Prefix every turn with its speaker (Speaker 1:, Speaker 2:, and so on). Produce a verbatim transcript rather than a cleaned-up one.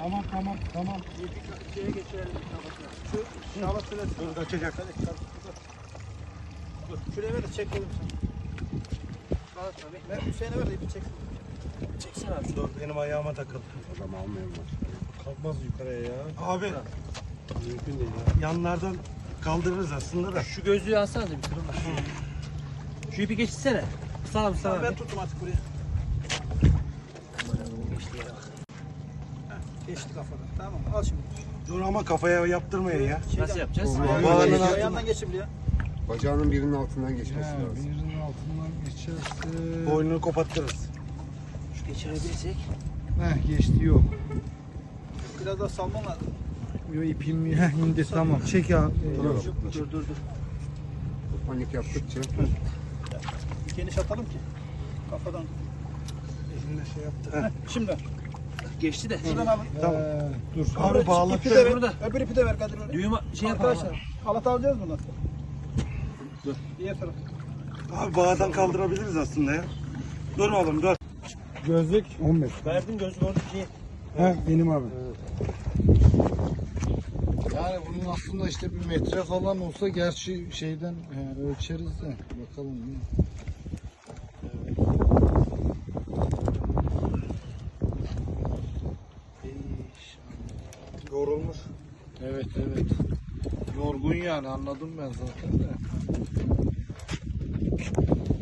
Speaker 1: Tamam tamam tamam.
Speaker 2: Bir şeye geçelim. Şu şabat süresi.
Speaker 1: Dur kaçacak.
Speaker 2: Dur. Şuraya ver de çekelim sen. Bana tabii. Ben Hüseyin'e ver de ipi çeksin. Çeksin abi.
Speaker 1: Dur benim ayağıma takıldı.
Speaker 3: Adam almayalım.
Speaker 1: Kalkmaz yukarıya ya. Abi. Mümkün değil ya. Yanlardan kaldırırız aslında da.
Speaker 2: Şu gözlüğü alsana da bir kırılma. Şu ipi geçsene. Sana sana. Tamam, ben tuttum artık buraya. Geçti kafadan. Tamam al şimdi.
Speaker 1: Dur ama kafaya yaptırmayın ya.
Speaker 2: Nasıl yapacağız?
Speaker 1: Bağının altına.
Speaker 2: Ayağından geçin buraya.
Speaker 3: Bacağının birinin altından geçmesi
Speaker 4: Ha,
Speaker 3: lazım.
Speaker 4: birinin altından geçerse...
Speaker 1: Boynunu kopattırırız.
Speaker 2: Şu geçirebilirsek.
Speaker 4: Heh, geçti yok.
Speaker 2: Biraz daha salman lazım.
Speaker 4: Yo, ipim heh, indi tamam. Çek ya.
Speaker 3: Dur,
Speaker 4: Yok.
Speaker 3: dur.
Speaker 2: Dur dur dur.
Speaker 3: Panik yaptıkça.
Speaker 2: Geniş atalım ki. Kafadan.
Speaker 1: Elimle şey yaptı.
Speaker 2: Heh, şimdi. Geçti de. Şuradan alın.
Speaker 1: Tamam.
Speaker 4: Ee, dur.
Speaker 1: Abi
Speaker 2: İpi
Speaker 1: bağlattı.
Speaker 2: de ver.
Speaker 5: Burada.
Speaker 2: Öbür ipi de ver Kadir öyle.
Speaker 5: Düğüm şey yapalım.
Speaker 2: Arkadaşlar halat alacağız bundan. Dur. Diğer taraf.
Speaker 1: Abi bağdan kaldırabiliriz aslında ya. Dur oğlum dur.
Speaker 4: Gözlük on beş.
Speaker 2: Verdim gözlük orada şey.
Speaker 4: Heh, benim abi. Yani bunun aslında işte bir metre falan olsa gerçi şeyden he, ölçeriz de bakalım.
Speaker 1: Yorulmuş.
Speaker 4: Evet evet. Yorgun yani anladım ben zaten de.